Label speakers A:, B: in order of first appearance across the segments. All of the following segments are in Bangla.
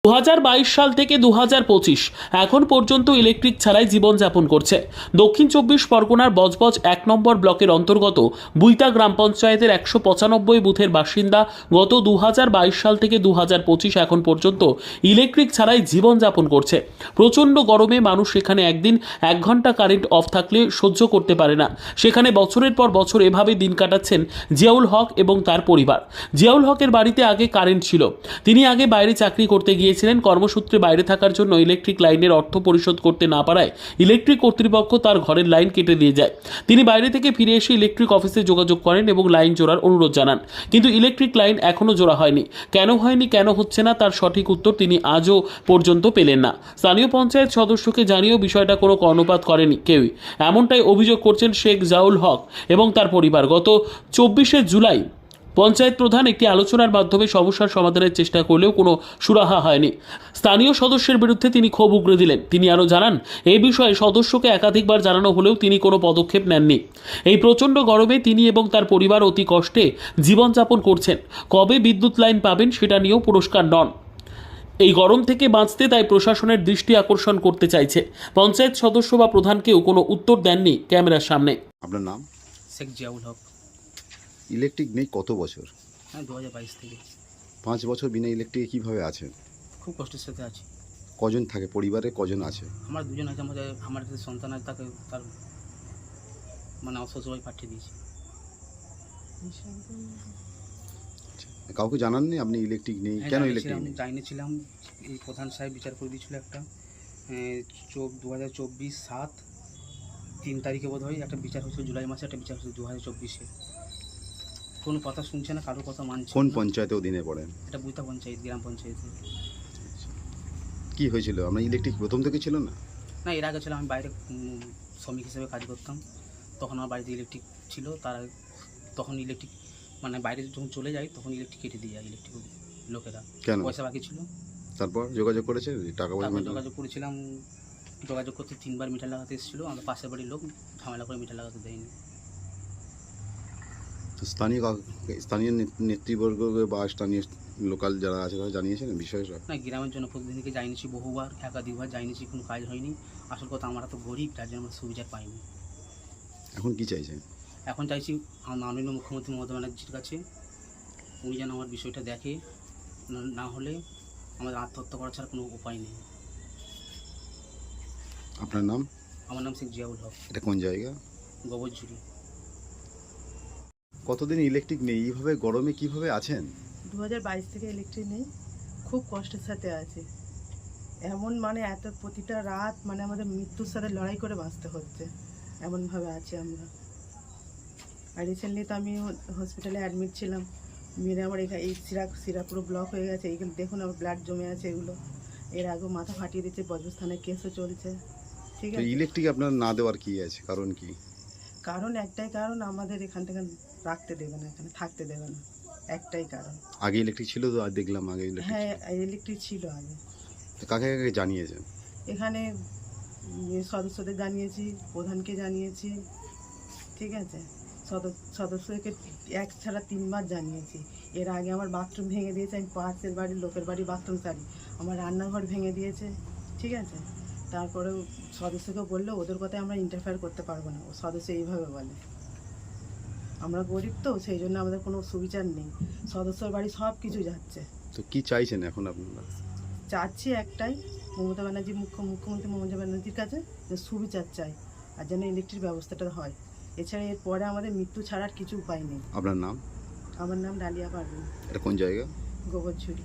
A: 2022 সাল থেকে 2025 এখন পর্যন্ত ইলেকট্রিক ছাড়াই জীবনযাপন করছে দক্ষিণ 24 পরগনার বজবজ 1 নম্বর ব্লকের অন্তর্গত বুইতা গ্রাম পঞ্চায়েতের 195 বুথের বাসিন্দা। গত 2022 সাল থেকে 2025 এখন পর্যন্ত ইলেকট্রিক ছাড়াই জীবনযাপন করছে। প্রচণ্ড গরমে মানুষ সেখানে একদিন 1 ঘন্টা কারেন্ট অফ থাকলে সহ্য করতে পারে না। সেখানে বছরের পর বছর এভাবে দিন কাটাচ্ছেন জিয়াউল হক এবং তার পরিবার। জিয়াউল হকের বাড়িতে আগে কারেন্ট ছিল। তিনি আগে বাইরে চাকরি করতে গিয়েছিলেন। কর্মসূত্রে বাইরে থাকার জন্য ইলেকট্রিক লাইনের অর্থ পরিশোধ করতে না পারায় ইলেকট্রিক কর্তৃপক্ষ তার ঘরের লাইন কেটে দিয়ে যায়। তিনি বাইরে থেকে ফিরে এসে ইলেকট্রিক অফিসে যোগাযোগ করেন এবং লাইন জোড়ার অনুরোধ জানান, কিন্তু ইলেকট্রিক লাইন এখনও জোড়া হয়নি। কেন হচ্ছে না তার সঠিক উত্তর তিনি আজও পর্যন্ত পেলেন না। স্থানীয় পঞ্চায়েত সদস্যকে জানিয়েও বিষয়টা কোনো কর্ণপাত করেনি কেউই। এমনটাই অভিযোগ করছেন শেখ জিয়াউল হক এবং তার পরিবার। গত 24শে জুলাই পঞ্চায়েত প্রধান একটি আলোচনার মাধ্যমে সমস্যার সমাধানের চেষ্টা করলেও কোনো সুরাহা হয়নি। স্থানীয় সদস্যের বিরুদ্ধে তিনি ক্ষোভ উগরে দিলেন। তিনি আরও জানান, এই বিষয়ে সদস্যকে একাধিকবার জানানো হলেও তিনি কোনো পদক্ষেপ নেননি। এই প্রচণ্ড গরমে তিনি এবং তার পরিবার অতি কষ্টে জীবনযাপন করছেন। কবে বিদ্যুৎ লাইন পাবেন সেটা নিয়েও পুরস্কার নন। এই গরম থেকে বাঁচতে তাই প্রশাসনের দৃষ্টি আকর্ষণ করতে চাইছে। পঞ্চায়েত সদস্য বা প্রধানকেও কোনো উত্তর দেননি ক্যামেরার সামনে।
B: আপনার নাম?
C: শেখ জিয়াউল হক।
B: ইলেকট্রিক নেই কত বছর?
C: হ্যাঁ, 2022 থেকে
B: 5 বছর বিনা ইলেকট্রিকে কীভাবে আছেন?
C: খুব কষ্টের সাথে আছি।
B: কজন থাকে পরিবারে, কজন আছে?
C: আমার দুজন আছে, আমার যে সন্তান আছে তাকে তার মানে অসহায় পাঠিয়ে দিয়েছি।
B: কাউকে জানাননি আপনি ইলেকট্রিক নেই? কেন ইলেকট্রিক নেই?
C: জানিয়েছিলাম, এই প্রধান সাহেব বিচার করে দিয়েছিল একটা 2024 3 তারিখে বোধ হয় একটা বিচার হয়েছিল, জুলাই মাসে একটা বিচার হয়েছিল 2024-এ। কোনো কথা শুনছে না, কারোর কথা মানছে।
B: কোন পঞ্চায়েতে অধীনে পড়েন?
C: এটা বুইতা পঞ্চায়েত, গ্রাম পঞ্চায়েতে।
B: কি হয়েছিল? আপনার ইলেকট্রিক প্রথম থেকে ছিল না?
C: না, এর আগে ছিল, আমি বাইরে শ্রমিক হিসেবে কাজ করতাম, তখন আমার বাড়িতে ইলেকট্রিক ছিল। তখন ইলেকট্রিক মানে বাইরে যখন চলে যাই তখন ইলেকট্রিক কেটে দিয়ে যায় ইলেকট্রিক লোকেরা।
B: কেন?
C: পয়সা বাকি ছিল।
B: তারপর যোগাযোগ করেছে টাকা পয়সা?
C: যোগাযোগ করেছিলাম, যোগাযোগ করতে 3বার মিটার লাগাতে এসেছিলো। আমার পাশের বাড়ির লোক ঝামেলা করে মিটার লাগাতে দেয়নি।
B: তো স্থানীয় নেতৃবর্গ বা স্থানীয় লোকাল যারা আছে তারা জানিয়েছেন বিষয়টা?
C: না, গ্রামের জন্য প্রতিনিধিকে জানিয়েছি বহুবার, একাধিকবার জানিয়েছি, কোনো কাজ হয়নি। আসল কথা, আমরা তো গরিব, তার জন্য আমরা সুবিচার পাইনি।
B: এখন কি চাইছেন?
C: এখন চাইছি মাননীয় মুখ্যমন্ত্রী মমতা ব্যানার্জির কাছে, উনি যেন আমার বিষয়টা দেখে, না হলে আমাদের আত্মহত্যা করা ছাড়া কোনো উপায় নেই।
B: আপনার নাম?
C: আমার নাম শেখ জিয়াউল হক।
B: এটা কোন জায়গা?
C: গোবরঝুরি।
B: কতদিন ইলেকট্রিক নেই? এইভাবে গরমে কিভাবে আছেন?
D: 2022 থেকে ইলেকট্রিক নেই, খুব কষ্টের সাথে আছে। এমন মানে এত প্রতিটা রাত মানে আমাদের মৃত্যুর সাথে লড়াই করে বাঁচতে হচ্ছে, এমনভাবে আছি আমরা। আর রিসেন্টলি তো আমি হসপিটালে অ্যাডমিট ছিলাম। মেরে আমার এই শিরা পুরো ব্লক হয়ে গেছে। এইখানে দেখুন আমার ব্লাড জমে আছে এগুলো। এর আগেও মাথা ফাটিয়ে দিচ্ছে, বজবজ থানায় কেসও চলছে। ঠিক আছে,
B: ইলেকট্রিক আপনার না দেওয়ার কি আছে কারণ? কি
D: কারণ? একটাই কারণ, আমাদের এখান থেকে রাখতে দেবে না, এখানে থাকতে দেবে না, একটাই কারণ।
B: আগে ইলেকট্রিক ছিল তো? আর দেখলাম আগে ইলেকট্রিক।
D: হ্যাঁ, ইলেকট্রিক ছিল আগে।
B: কাকে কাকে জানিয়েছেন?
D: এখানে সদস্যদের জানিয়েছি, প্রধানকে জানিয়েছি, ঠিক আছে, সদস্যকে 1 ছাড়া 3বার জানিয়েছি। এর আগে আমার বাথরুম ভেঙে দিয়েছে, আমি পাশের বাড়ির লোকের বাড়ি বাথরুম সারি, আমার রান্নাঘর ভেঙে দিয়েছে, ঠিক আছে। তারপরেও সদস্যকে বললে ওদের কথায় আমরা ইন্টারফেয়ার করতে পারবো না, ও সদস্য এইভাবে বলে। আমরা গরিব তো, সেই জন্য আমাদের কোনো সুবিচার নেই। সদস্যর বাড়ি সব কিছু যাচ্ছে।
B: তো কি চাইছেন এখন আপনারা?
D: চাচ্ছি একটাই, মমতা ব্যানার্জি মুখ্যমন্ত্রী মমতা ব্যানার্জির কাছে যে সুবিচার চাই, আর যেন ইলেকট্রিক ব্যবস্থাটা হয়। এছাড়া এরপরে আমাদের মৃত্যু ছাড়ার কিছু উপায় নেই।
B: আপনার নাম?
D: আমার নাম ডালিয়া পারভিন।
B: এটা কোন জায়গা?
D: গোবরঝুরি।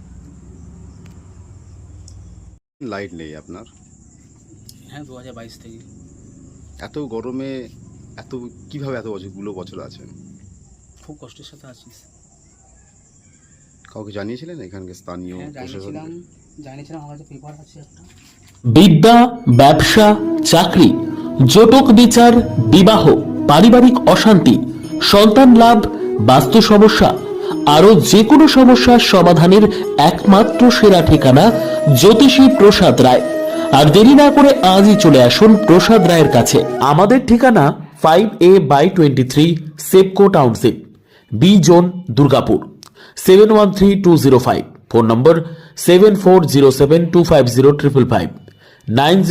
B: লাইট নেই আপনার?
C: হ্যাঁ, 2022 থেকে।
B: এত গরমে কিভাবে এত বছর আছেন?
C: খুব কষ্টের সাথে আছিস।
B: কাউকে জানিয়েছিলেন এখানকার স্থানীয় প্রশাসন?
C: জানিয়েছিলাম, আমার কাছে পেপার আছে একটা।
A: বিদ্যা, ব্যবসা, চাকরি, জটক বিচার, বিবাহ, পারিবারিক অশান্তি, সন্তান লাভ, বাস্তু সমস্যা, আরো যে কোনো সমস্যার সমাধানের একমাত্র সেরা ঠিকানা জ্যোতিষী প্রসাদ রায়। আর দেরি না করে আজই চলে আসুন প্রসাদ রায়ের কাছে। আমাদের ঠিকানা 5A/23 Sepco township, B zone, Durgapur, 713205। Phone number 7407250555,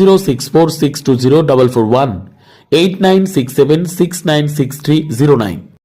A: 9064620441, 8967696309.